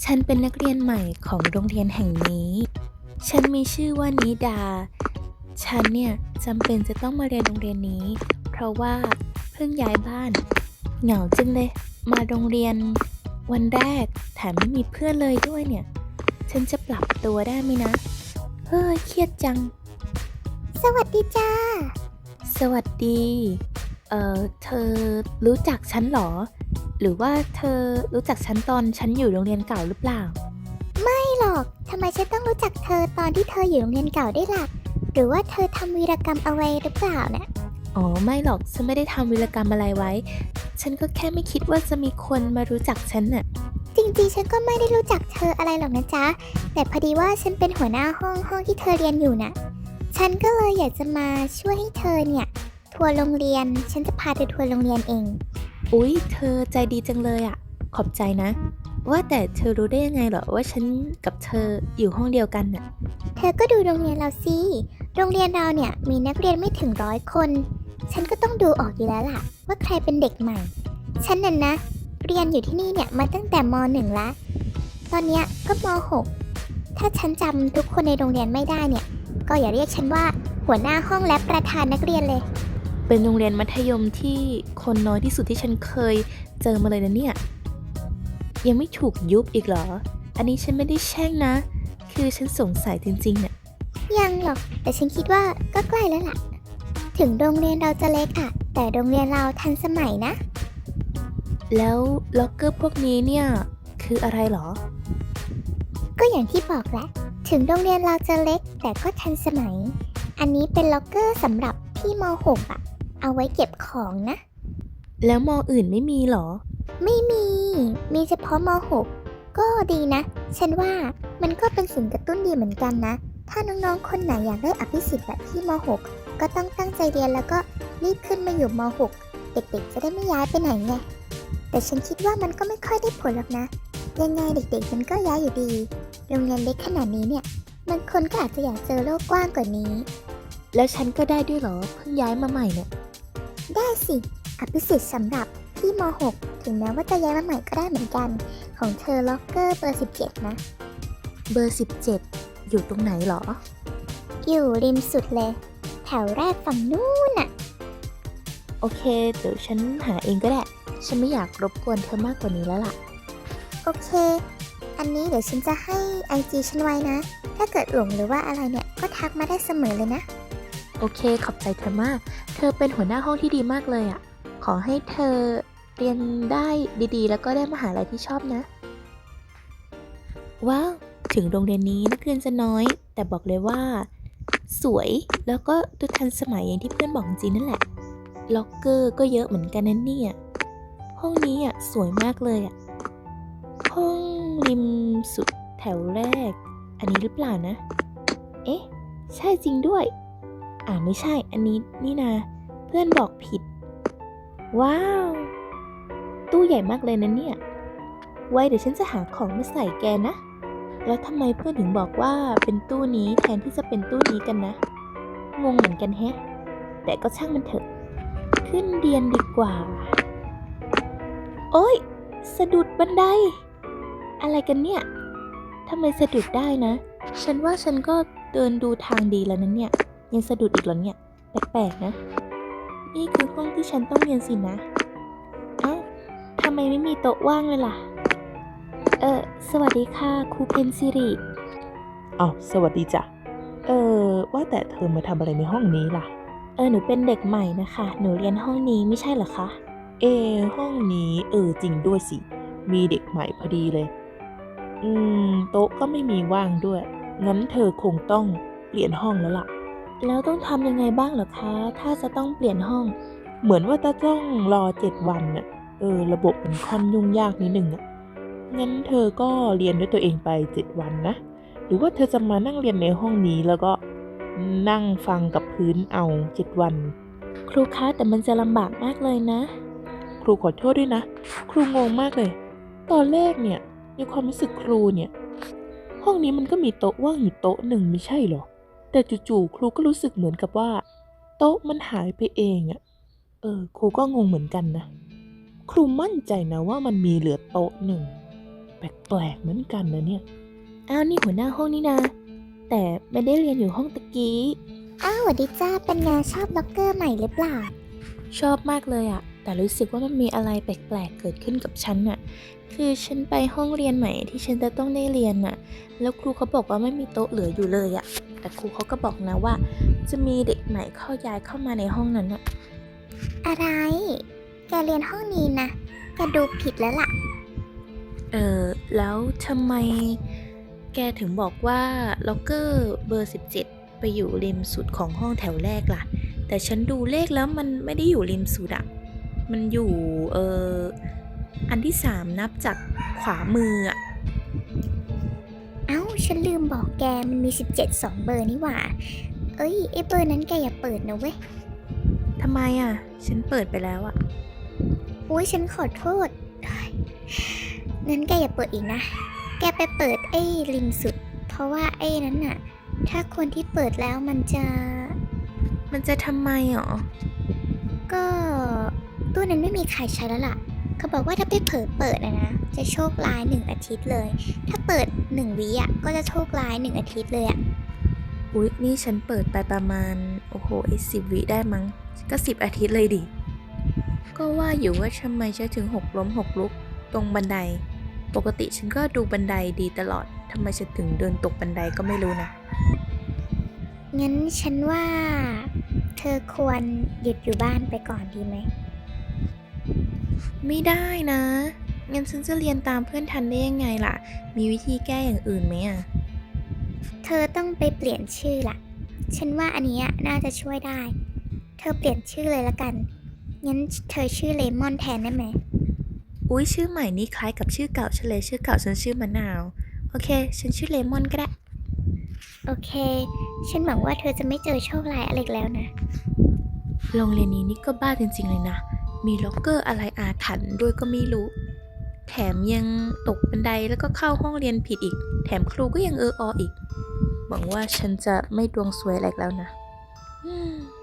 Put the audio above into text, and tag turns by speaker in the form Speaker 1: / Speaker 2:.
Speaker 1: ฉันเป็นนักเรียนใหม่ของโรงเรียนแห่งนี้ ฉันมีชื่อว่านิดา ฉันเนี่ยจำเป็นจะต้องมาเรียนโรงเรียนนี้ เพราะว่าเพิ่งย้ายบ้าน เหงาจังเลย มาโรงเรียนวันแรกแถมไม่มีเพื่อนเลยด้วยเนี่ย ฉันจะปรับตัวได้ไหมนะ เฮ้ยเครียดจัง
Speaker 2: สวัสดีจ้า
Speaker 1: สวัสดี เธอรู้จักฉันเหรอ หรือว่าเธอรู้จักฉันตอนฉันอยู่โรงเรียนเก่าหรือเปล่า
Speaker 2: ไม่หรอก ทำไมฉันต้องรู้จักเธอตอนที่เธออยู่โรงเรียนเก่าได้ล่ะ หรือว่าเธอทำวีรกรรมเอาไว้หรือเปล่าเนี่ย
Speaker 1: อ๋อไม่หรอก ฉันไม่ได้ทำวีรกรรมอะไรไว้ ฉันก็แค่ไม่คิดว่าจะมีคนมารู้จักฉันน่ะ
Speaker 2: จริงๆ ฉันก็ไม่ได้รู้จักเธออะไรหรอกนะจ๊ะ แต่พอดีว่าฉันเป็นหัวหน้าห้องที่เธอเรียนอยู่น่ะ ฉันก็เลยอยากจะมาช่วยให้เธอเนี่ยทัวร์โรงเรียน ฉันจะพาเธอทัวร์โรงเรียนเอง
Speaker 1: อุ๊ย เธอใจดีจังเลยอ่ะ ขอบใจนะ ว่าแต่เธอรู้ได้ยังไงเหรอว่าฉันกับเธออยู่ห้องเดียวกันน่ะ
Speaker 2: เธอก็ดูโรงเรียนเราสิ โรงเรียนเราเนี่ยมีนักเรียนไม่ถึง100 คน ฉันก็ต้องดูออกอยู่แล้วล่ะว่าใครเป็นเด็กใหม่ ฉันน่ะนะ เรียนอยู่ที่นี่เนี่ยมาตั้งแต่ม.1 ละ ตอนเนี้ยก็ม.6 ถ้าฉันจำทุกคนในโรงเรียนไม่ได้เนี่ย ก็อย่าเรียกฉันว่าหัวหน้าห้องและประธานนักเรียนเลย
Speaker 1: เป็นโรงเรียนมัธยมที่คนน้อยที่สุดที่ฉันเคยเจอมาเลยนะเนี่ย ยังไม่ถูกยุบอีกเหรอ อันนี้ฉันไม่ได้แช่งนะ คือฉันสงสัยจริงๆน่ะ
Speaker 2: ยังหรอก แต่ฉันคิดว่าก็ใกล้แล้วล่ะ ถึงโรงเรียนเราจะเล็กอะแต่โรงเรียนเราทันสมัยนะ
Speaker 1: แล้วล็อกเกอร์พวกนี้เนี่ยคืออะไรเหรอ
Speaker 2: ก็อย่างที่บอกแหละ ถึงโรงเรียนเราจะเล็กแต่ก็ทันสมัย อันนี้เป็นล็อกเกอร์สำหรับพี่ม.6 อะเอาไว้เก็บของนะ
Speaker 1: แล้วมออื่นไม่มีเหรอ
Speaker 2: ไม่มี มีเฉพาะม.6 ก็ดีนะ ฉันว่ามันก็เป็นสิ่งกระตุ้นดีเหมือนกันนะ ถ้าน้องๆ คนไหนอยากได้อภิสิทธิ์แบบพี่ม.6 ก็ต้องตั้งใจเรียนแล้วก็รีบขึ้นมาอยู่ม.6 เด็กๆ จะได้ไม่ย้ายไปไหนไง แต่ฉันคิดว่ามันก็ไม่ค่อยได้ผลหรอกนะ ยังไงเด็กๆ มันก็ย้ายอยู่ดี โรงเรียนเล็กขนาดนี้เนี่ยบางคนก็อาจจะอยากเจอโลกกว้างกว่านี้
Speaker 1: แล้วฉันก็ได้ด้วยเหรอ เพิ่งย้ายมาใหม่เนี่ย
Speaker 2: ได้สิ อภิสิทธิ์สำหรับพี่ม.6 ถึงแม้ว่าจะย้ายมาใหม่ก็ได้เหมือนกัน ของเธอล็อกเกอร์เบอร์ 17 นะ
Speaker 1: เบอร์ 17 อยู่ตรงไหนเหรอ
Speaker 2: อยู่ริมสุดเลย แถวแรกฝั่งนู้นน่ะ
Speaker 1: โอเค เดี๋ยวฉันหาเองก็ได้ ฉันไม่อยากรบกวนเธอมากกว่านี้แล้วล่ะ
Speaker 2: โอเค อันนี้เดี๋ยวฉันจะให้ IG ฉันไว้นะ ถ้าเกิดหลงหรือว่าอะไรเนี่ย ก็ทักมาได้เสมอเลยนะ
Speaker 1: โอเค ขอบใจเธอมาก เธอเป็นหัวหน้าห้องที่ดีมากเลยอะ ขอให้เธอเรียนได้ดีๆ แล้วก็ได้มหาลัยที่ชอบนะ ว้าว ถึงโรงเรียนนี้นักเรียนจะน้อย แต่บอกเลยว่า สวย แล้วก็ดูทันสมัยอย่างที่เพื่อนบอกจริงนั่นแหละ ล็อกเกอร์ก็เยอะเหมือนกันนะเนี่ย ห้องนี้อ่ะสวยมากเลยอ่ะ ห้องริมสุดแถวแรก อันนี้หรือเปล่านะ เอ๊ะ ใช่จริงด้วย ไม่ใช่ อันนี้นี่นา เพื่อนบอกผิด ว้าว ตู้ใหญ่มากเลยนะเนี่ย ไว้เดี๋ยวฉันจะหาของมาใส่แกนะ แล้วทำไมเพื่อนถึงบอกว่าเป็นตู้นี้แทนที่จะเป็นตู้นี้กันนะ งงเหมือนกันแฮะ แต่ก็ช่างมันเถอะ ขึ้นเรียนดีกว่า โอ๊ย สะดุดบันได อะไรกันเนี่ย ทำไมสะดุดได้นะ ฉันว่าฉันก็เดินดูทางดีแล้วนะเนี่ย ยังสะดุดอีกเหรอเนี่ย แปลกๆนะ นี่คือห้องที่ฉันต้องเรียนสินะ เอ้า ทำไมไม่มีโต๊ะว่างเลยล่ะ สวัสดีค่ะครูเพนซิริ
Speaker 3: อ้าวสวัสดีจ้ะ ว่าแต่เธอมาทำอะไรในห้องนี้ล่ะ
Speaker 1: หนูเป็นเด็กใหม่นะคะ หนูเรียนห้องนี้ไม่ใช่เหรอคะ
Speaker 3: ห้องนี้จริงด้วยสิ มีเด็กใหม่พอดีเลย โต๊ะก็ไม่มีว่างด้วย งั้นเธอคงต้องเปลี่ยนห้องแล้วล่ะ
Speaker 1: แล้วต้องทำยังไงบ้างเหรอคะ ถ้าจะต้องเปลี่ยนห้อง
Speaker 3: เหมือนว่าจะต้องรอ7 วันน่ะ ระบบมันค่อนยุ่งยากนิดนึงอ่ะ งั้นเธอก็เรียนด้วยตัวเองไป7 วันนะ หรือว่าเธอจะมานั่งเรียนในห้องนี้แล้วก็นั่งฟังกับพื้นเอา7 วัน
Speaker 1: ครูคะแต่มันจะลำบากมากเลยนะ
Speaker 3: ครูขอโทษด้วยนะ ครูงงมากเลย ตอนแรกเนี่ยในความรู้สึกครูเนี่ย ห้องนี้มันก็มีโต๊ะว่างอยู่โต๊ะหนึ่งไม่ใช่เหรอ แต่จู่ๆครูก็รู้สึกเหมือนกับว่า โต๊ะมันหายไปเองอะครูก็งงเหมือนกันนะ ครูมั่นใจนะว่ามันมีเหลือโต๊ะหนึ่งแปลกๆเหมือนกันนะเนี่ย
Speaker 1: อ้าวนี่หัวหน้าห้องนี่นะ แต่ไม่ได้เรียนอยู่ห้องตะกี้
Speaker 2: อ้าวสวัสดีจ้า เป็นไงชอบล็อกเกอร์ใหม่หรือเปล่า
Speaker 1: ชอบมากเลยอะแต่รู้สึกว่ามันมีอะไรแปลกๆเกิดขึ้นกับฉันอะคือฉันไปห้องเรียนใหม่ที่ฉันจะต้องได้เรียนอะแล้วครูเขาบอกว่าไม่มีโต๊ะเหลืออยู่เลยอะแต่ครูเขาก็บอกนะว่า จะมีเด็กใหม่ย้ายเข้ามาในห้องนั้นอะ
Speaker 2: อะไร แกเรียนห้องนี้นะ แกดูผิดแล้วล่ะ
Speaker 1: แล้วทำไมแกถึงบอกว่าล็อกเกอร์เบอร์ 17 ไปอยู่ริมสุดของห้องแถวแรกล่ะ แต่ฉันดูเลขแล้วมันไม่ได้อยู่ริมสุดอะมันอยู่อันที่ 3 นับจากขวามืออะ
Speaker 2: เอ้า ฉันลืมบอกแกมันมี 17 2 เบอร์นี่หว่า เอ้ยไอเบอร์นั้นแกอย่าเปิดนะเว้ย
Speaker 1: ทำไมอะฉันเปิดไปแล้วอะ
Speaker 2: อุ้ยฉันขอโทษงั้นแกอย่าเปิดอีกนะ แกไปเปิดไอ้ริมสุด เพราะว่าไอ้นั้นน่ะ ถ้าคนที่เปิดแล้วมันจะ
Speaker 1: ทำไมหรอ
Speaker 2: ก็ตู้นั้นไม่มีใครใช้แล้วล่ะ เขาบอกว่าถ้าไปเผลอเปิดนะ จะโชคร้าย1 อาทิตย์เลย ถ้าเปิด1 วิอ่ะก็จะโชคร้าย1 อาทิตย์เลยอ่ะ
Speaker 1: อุ๊ยนี่ฉันเปิดไปประมาณ10 วิได้มั้งก็10 อาทิตย์เลยดิ ก็ว่าอยู่ว่าทำไมฉันถึง6 ล้ม 6 ลุกตรงบันได ปกติฉันก็ดูบันไดดีตลอดทำไมฉันถึงเดินตกบันไดก็ไม่รู้นะ
Speaker 2: งั้นฉันว่า เธอควรหยุดอยู่บ้านไปก่อนดีไหม
Speaker 1: ไม่ได้นะ งั้นฉันจะเรียนตามเพื่อนทันได้ยังไงล่ะ มีวิธีแก้อย่างอื่นไหมอะ
Speaker 2: เธอต้องไปเปลี่ยนชื่อล่ะ ฉันว่าอันเนี้ยน่าจะช่วยได้ เธอเปลี่ยนชื่อเลยละกัน งั้นเธอชื่อเลมอนแทนได้ไหม
Speaker 1: อุ๊ยชื่อใหม่นี่คล้ายกับชื่อเก่าฉันเลยชื่อเก่าฉันชื่อมะนาว โอเค ฉันชื่อเลมอนก็ได้
Speaker 2: โอเค ฉันหวังว่าเธอจะไม่เจอโชคร้ายอะไรอีกแล้วนะ
Speaker 1: โรงเรียนนี้นี่ก็บ้าจริงๆเลยนะ มีล็อกเกอร์อะไรอาถรรพ์ด้วยก็ไม่รู้ แถมยังตกบันไดแล้วก็เข้าห้องเรียนผิดอีก แถมครูก็ยังออีก หวังว่าฉันจะไม่ดวงซวยอะไรอีกแล้วนะ